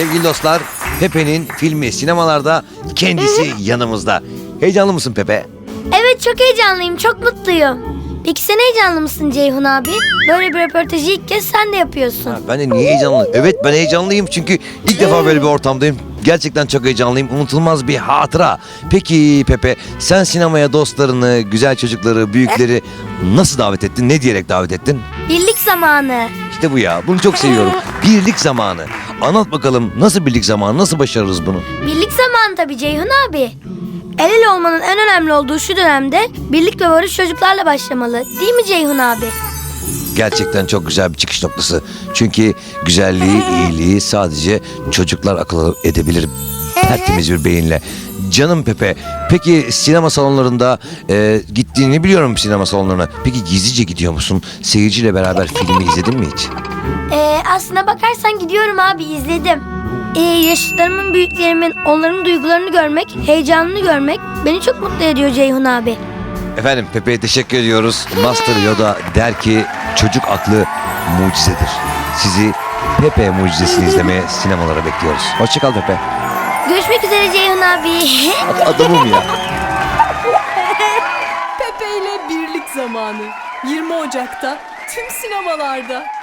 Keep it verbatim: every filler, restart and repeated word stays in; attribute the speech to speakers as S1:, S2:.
S1: Sevgili dostlar, Pepe'nin filmi sinemalarda, kendisi yanımızda. Heyecanlı mısın Pepe?
S2: Evet, çok heyecanlıyım, çok mutluyum. Peki sen heyecanlı mısın Ceyhun abi? Böyle bir röportajı ilk kez sen de yapıyorsun.
S1: Ha, ben de niye heyecanlıyım? Evet, ben heyecanlıyım çünkü ilk defa böyle bir ortamdayım. Gerçekten çok heyecanlıyım. Unutulmaz bir hatıra. Peki Pepe, sen sinemaya dostlarını, güzel çocukları, büyükleri nasıl davet ettin? Ne diyerek davet ettin?
S2: Birlik zamanı.
S1: İşte bu ya. Bunu çok seviyorum. Birlik zamanı. Anlat bakalım, nasıl birlik zamanı? Nasıl başarırız bunu?
S2: Birlik zamanı tabii Ceyhun abi. El ele olmanın en önemli olduğu şu dönemde birlik ve barış çocuklarla başlamalı. Değil mi Ceyhun abi?
S1: Gerçekten çok güzel bir çıkış noktası. Çünkü güzelliği, iyiliği sadece çocuklar akıl edebilir. Tertemiz bir beyinle. Canım Pepe, peki sinema salonlarında e, gittiğini biliyorum sinema salonlarına. Peki gizlice gidiyor musun? Seyirciyle beraber filmi izledin mi hiç?
S2: Ee, aslına bakarsan gidiyorum abi, izledim. Ee, yaşıtlarımın, büyüklerimin, onların duygularını görmek, heyecanını görmek beni çok mutlu ediyor Ceyhun abi.
S1: Efendim Pepe'ye teşekkür ediyoruz. Master Yoda der ki çocuk aklı mucizedir. Sizi Pepe mucizesini izlemeye sinemalara bekliyoruz. Hoşçakal Pepe.
S2: Görüşmek üzere Ceyhun abi.
S1: Adamım ya.
S3: Pepe ile Birlik Zamanı. yirmi Ocak'ta tüm sinemalarda.